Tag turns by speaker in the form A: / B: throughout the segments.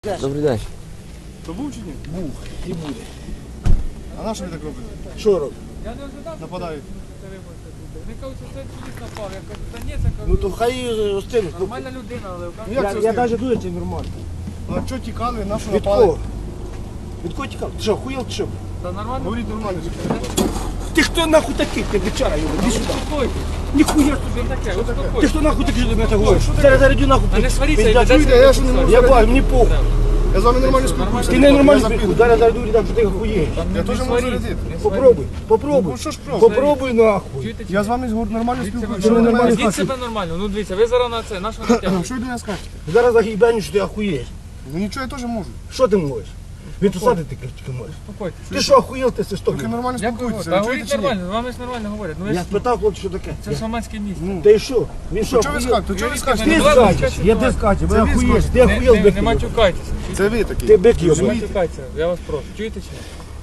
A: Добрий день.
B: То був чи ні?
C: Був і буде.
B: А на що ви так робите?
C: Що робить?
D: Я не ожидав,
B: Нападають.
D: що це виборця буде. Вони кажуть, що це чоловік напав. Я кажу, та ні, це
C: Ну
D: кажу,
C: то хай остинуть.
D: нормальна людина, але
B: Ну, як це
C: Я
B: з ним?
C: навіть дуже це нормально.
B: А що тікали, на що
C: Від
B: напали?
C: кого? Від кого тікав? Ти що, хуєл чи що?
D: та нормально.
B: Говоріть нормально.
C: Ти хто нахуй такий? Ти бичара його, іди сюди.
D: Успокойтесь.
C: Ніхуя
D: Що
C: собі.
D: таке?
C: Ти
D: Успокойтесь.
C: хто нахуй такий, що ти мене так говориш? Зараз зарядю нахуй.
D: А не сваріться,
C: Пиздя,
D: і
B: чуєте,
D: ведеться.
B: я ж не можу.
C: Я бачу, мені похуй.
B: Я з вами нормально спілкуюся.
C: Ти не нормально
B: Я
C: спілкуєш.
B: запитую.
C: Зараз зарядю, дам, що ти хуєш.
B: Я теж можу радити.
C: Попробуй, попробуй.
B: Ну що ж просто?
C: Попробуй нахуй.
D: Чуєте,
B: Я з вами нормально
C: Ти
B: спілкуюся.
C: не нормально
D: Ведіть
C: спілкуєшся.
D: себе нормально. Ну дивіться, ви зараз на це, на що натягуєте?
B: Що ви до мене скажете?
C: Зараз загибаню, що ти охуєш.
B: Ну нічого, я теж можу.
C: Що ти можеш? Відсусати ти тільки можеш.
D: Успокойтесь.
C: Ти що охуєл, ти
B: Тільки
C: свисток?
B: нормально
D: Як ви
B: спілкуйтеся.
D: Та
B: Ви
D: говоріть
B: чуєте чи ні?
D: нормально, з вами ж нормально говорять. Ну ви
C: Я
D: ж,
C: спитав, хлопці, що таке.
D: це ж громадське місце.
C: Та й що? Він що,
B: Що ви
C: охуєл?
B: скажете? Чого ви
C: Ти
B: скажете?
D: Ну,
C: скачеш, я ти скачеш, ви
B: Це ви
C: охуєш,
B: скажете.
C: ти охуєл,
D: Не
C: бик.
D: матюкайтеся.
B: Це ви такі.
C: Ти бик
D: Не
C: йобаний.
D: матюкайтеся, я вас прошу. Чуєте чи ні?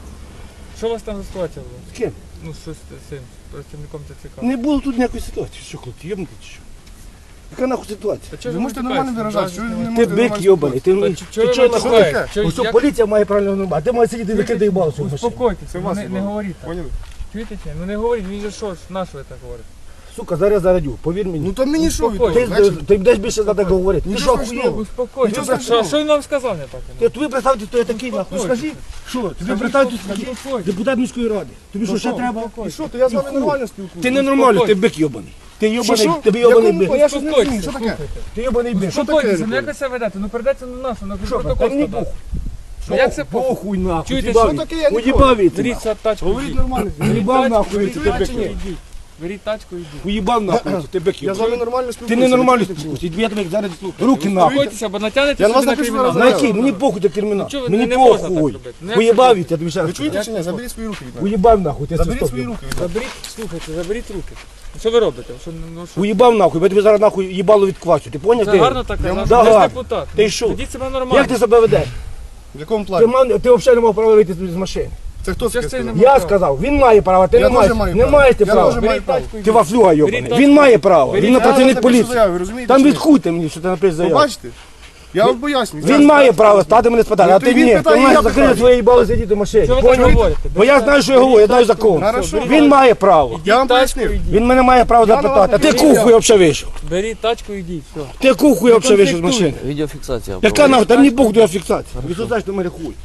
D: Що у вас там за ситуація була?
C: З ким?
D: Ну, що з цим працівником ТЦК?
C: Не було тут ніякої ситуації. Що, хлопці, йобнути чи що? Яка нахуй ситуація?
D: Та чого
B: Ви можете
D: матюкаєтесь?
B: нормально виражатися, що ви не
C: Ти
B: можете
C: бик
B: нормально
C: йобаний, ти
D: Та чого ви
C: чого
D: матюкаєтесь?
C: нахуй?
D: Чого-
C: Ось що
D: як-
C: поліція має правильно нормати, ти маєш сидіти закидай їбало свою машину.
D: Успокойтеся,
B: Це
D: ну,
B: вас
D: не
B: їбало.
D: говоріть так.
B: Поняли?
D: Чуєте чи ні? Ну не говоріть, він же що ж, на що ви так говорите?
C: Сука, зараз зарадю, повір мені.
B: Ну то мені що ви
D: Успокойтесь.
B: тут?
C: Ти,
B: Знаєте?
C: ти будеш більше за так говорити. Ти
B: Нічого
C: що
B: страшного.
C: охуєв?
D: Успокойтеся.
B: Нічого страшного.
D: Що він вам сказав не так?
C: Ти тобі представте, хто я такий нахуй. Ну скажи, що? Тобі представте, депутат міської ради. Тобі що ще треба?
B: І що, то я з вами нормально спілкуюся.
C: Ти ненормальний, ти бик йобаний. Ти йобаний,
B: Що?
C: тобі йобаний
B: Якому?
C: бик.
B: Я щось не розумію, що таке?
D: Слухайте.
C: Ти йобаний бик. Що
D: Успокойтеся,
B: таке?
D: ну як ви себе ведете? Ну передайте на нашу, на
C: Що,
D: протокол
C: та мені
D: складати.
C: похуй.
D: Ну як це похуй?
C: Похуй нахуй.
D: Чуєте,
C: Уїбав
B: що
C: він.
B: таке? Я не
C: Уїбав він.
D: Беріть тачку,
B: Говоріть
D: йдіть.
B: нормально.
C: Уїбав нахуй,
D: Беріть
C: ти бик
D: тачку,
C: йобаний.
D: йдіть. Беріть тачку, йдіть.
C: Уїбав нахуй, ти бик
B: Я з вами
C: йобаний.
B: нормально
C: Ти
B: спілкуюся.
C: не нормально спілкуєшся. Я тебе зараз руки нахуй.
D: Успокойтеся, бо натягнете
B: Я на вас
D: собі на
B: напишу
D: кримінал.
B: зараз.
C: На який? Мені похуй до кримінал.
D: Ну, чого ви
C: Мені
D: не можна так
C: похуй.
D: робити? Ну, як
C: Уїбав
D: це
C: від, я тобі ще раз
B: Ви чуєте
C: кажу.
B: чи ні? Заберіть свої руки від мене.
C: Уїбав нахуй, ти
B: Заберіть
C: свисток.
B: свої руки від мене.
D: Заберіть, слухайте, заберіть руки. Ну, що ви робите? Що, ну, що?
C: Уїбав нахуй, бо я тобі зараз нахуй їбало відквачу. Ти поняв?
D: Це
C: ти?
D: гарно так казати.
C: Да,
D: Ви ж
C: гарно.
D: депутат.
C: Ти що?
D: Ведіть себе нормально.
C: Як ти себе ведеш?
B: В якому
C: Ти,
B: плані?
C: ти взагалі не мав права вийти з машини.
B: Це хто
D: Що
B: таке
D: ж це
B: сказав?
D: не
C: Я сказав, він має право, ти
B: Я
C: не маєш.
B: теж маю
C: Не
B: право.
C: маєш ти
B: Я
C: права.
B: теж маю
D: Беріть
B: право.
D: тачку,
C: Ти
D: йдіть.
C: вафлюга йобаний.
D: Беріть
C: Він має право.
D: Беріть
C: Він на
D: тачку.
C: працівник
B: Я напишу
C: поліції.
B: заяву, ви розумієте?
C: Там
B: чи ні?
C: відхуйте мені, що ти напишеш
B: Ви
C: заяву.
B: бачите? Я вам поясню.
C: Він має право стати мене спитати,
B: Ну,
C: а
B: то
C: ти
B: він
C: ні. Ти
B: питає,
C: маєш
B: я
C: закрити
B: питаю.
C: своє їбало сидіти в машині.
D: Що ви так
C: Поняв?
D: говорите?
C: Бо я знаю, що я говорю, я знаю закон.
B: Хорошо.
C: Він має право.
B: Я вам
D: Тачку
B: пояснив.
D: йдіть.
C: Він мене має право
B: Я на
C: запитати. А
B: вас
C: ти
B: не
C: кухуй взагалі вийшов.
D: Беріть тачку, йдіть. Все.
C: Ти кухуй взагалі вийшов з машини.
A: Відеофіксація.
C: Яка нахуй? Там ні Бог до фіксації. Відсудаєш до мене хуй.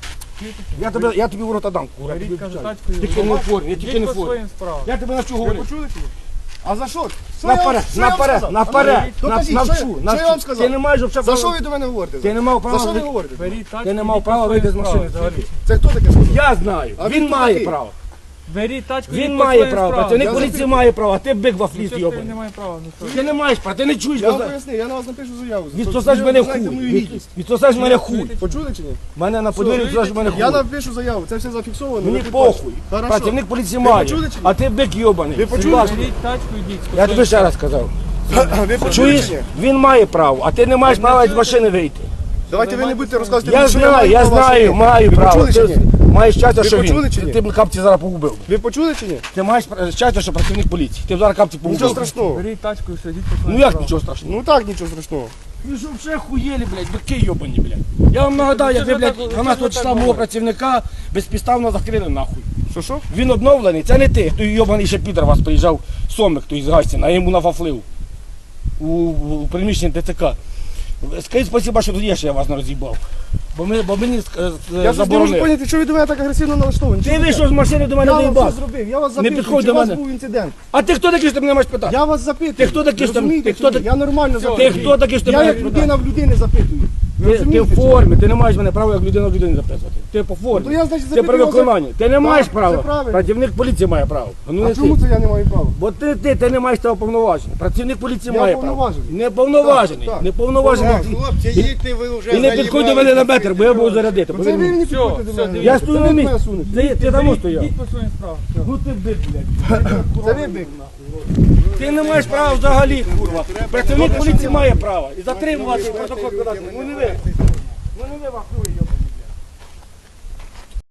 C: Я тобі в рота дам, кура. я тобі
D: Беріть, кажу,
C: обіцяю.
D: тачку,
C: Тільки
D: йдіть.
C: не в формі, я тільки не
D: Йдіть
C: в
D: по
C: формі.
D: своїм справам.
C: Я тебе навчу
B: Ви
C: говорити.
B: почули чи ні? А за що? Що я вам-
C: Наперед,
B: що я вам
C: наперед,
B: сказав?
C: наперед.
B: Докажіть,
C: Навчу,
B: що я
C: навчу.
B: вам сказав?
C: Ти не маєш взагалі
B: За що
C: права.
B: ви до мене говорите?
C: Ти не мав
B: За що
C: права.
B: ви говорите?
D: Беріть тачку,
C: Ти не мав
D: йдіть
C: права
D: по
C: вийти з
D: своїм
C: машини
D: справам.
C: взагалі.
B: Це хто таке сказав?
C: Я знаю.
B: А
C: Він
B: він
C: має
B: такий.
C: право.
D: Беріть тачку,
C: Він
D: йдіть по
C: має
D: своїм
C: право.
D: справам.
C: Працівник
B: Я
C: поліції
B: запитую.
C: має право, а ти бик
D: Ну,
C: вафліст
D: що ж ти
C: йобаний.
D: не має права? Ну, що?
C: Ти не маєш права, ти не чуєш.
B: Я вам пояснив, я на вас напишу заяву.
C: Відсосаєш мене
B: Знаєте мою
C: хуй.
B: гідність.
C: Відсосаєш мене хуй.
B: Почули чи ні?
C: Мене на подвір'ї відсосаєш мене
B: Я
C: хуй.
B: напишу заяву, це все зафіксовано.
C: Мені
B: ви
C: похуй.
B: підпишете. Хорошо.
C: Працівник поліції
B: Ви
C: має.
B: почули чи ні?
C: А ти бик йобаний.
B: Ви почули?
C: Согласен.
D: Беріть тачку, йдіть.
C: Я тобі ще раз сказав.
B: Ви почули
C: Чуєш?
B: чи ні?
C: Він має право, а ти не маєш права з машини вийти.
B: Давайте ви не будете розказувати.
C: Я
B: мені, що
C: знаю,
B: маю
C: я
B: права
C: знаю,
B: собі.
C: маю
B: Ви
C: право.
B: почули чи
C: Ти
B: ні?
C: маєш щастя,
B: Ви
C: що
B: почули чи
C: він.
B: ні?
C: Ти б капці зараз погубив.
B: Ви почули чи ні?
C: Ти маєш щастя, що працівник поліції. Ти б зараз капці
B: Нічого
C: погубив.
B: страшного.
D: Беріть тачку і все, йдіть по своїм
C: Ну як
D: справам.
C: нічого страшного?
B: Ну так, нічого страшного.
C: Ви що вже хуєлі, блядь, бики йобані, блядь. Я вам нагадаю, як ви,
D: Що ж ви
C: блядь,
D: так-
C: 12
D: що ж ви
C: числа
D: так
C: мого
D: говорите?
C: працівника безпідставно закрили нахуй.
B: Що?
C: Він обновлений, це не ти. Той йобаний ще підер вас приїжджав, Сомик той з Гастіна, а йому нафафлив у приміщенні ТЦК. Скажіть спасибо, що тоді я вас не роз'їбав. Бо мені
B: Я щось не можу
C: заборонили.
B: поняти, що ви до мене так агресивно налаштовані.
C: Ти вийшов з машини до мене
B: Я вам
C: доїбав.
B: все зробив, я вас
C: Не
B: запитую,
C: підходь
B: чи
C: до
B: у вас
C: мене.
B: був інцидент.
C: А ти хто такий, що ти мене маєш питати?
B: Я вас запитую.
C: Ти хто такий, що ти-
B: Розумієте
C: ти хто
B: чи ні?
C: такий?
B: Я нормально
C: Ти
B: запитую.
C: хто такий, що ти
B: Я
C: мене
B: як
C: маєш
B: людина в людини запитую. Ви
C: Ти в
B: розумієте чи ні?
C: формі, ти не маєш мене права як людина в людині записувати. Ти по формі.
B: Ну, я, значить,
C: Ти
B: запитую
C: при
B: його за-
C: виконанні. Ти не маєш
B: це
C: права.
B: правильно.
C: Працівник поліції має право. Ну,
B: А
C: не
B: чому
C: ти.
B: це я не маю права?
C: Бо ти не маєш того повноваження. Працівник поліції
B: Я
C: має право.
B: повноважений.
C: Не повноважений.
B: Так, так.
C: Не повноважений.
E: Хлопці, їдьте ви вже.
C: І не підходь до мене на метр, бо я буду зарядити.
B: Це
C: повір
B: ви
C: мені.
B: не підходите до
D: все,
B: мене.
D: дивіться.
C: Я стою
B: Це
C: на
B: ви
C: місці.
B: мене сунете.
C: Ти там стояв.
D: Йдіть по своїм справам.
C: Ну ти бик, блядь.
B: Це ви бик.
C: Ти не маєш права взагалі, курва. Працівник поліції має право. І затримувати, і протокол подати. Ну не ви. Ну не ви, вахуй,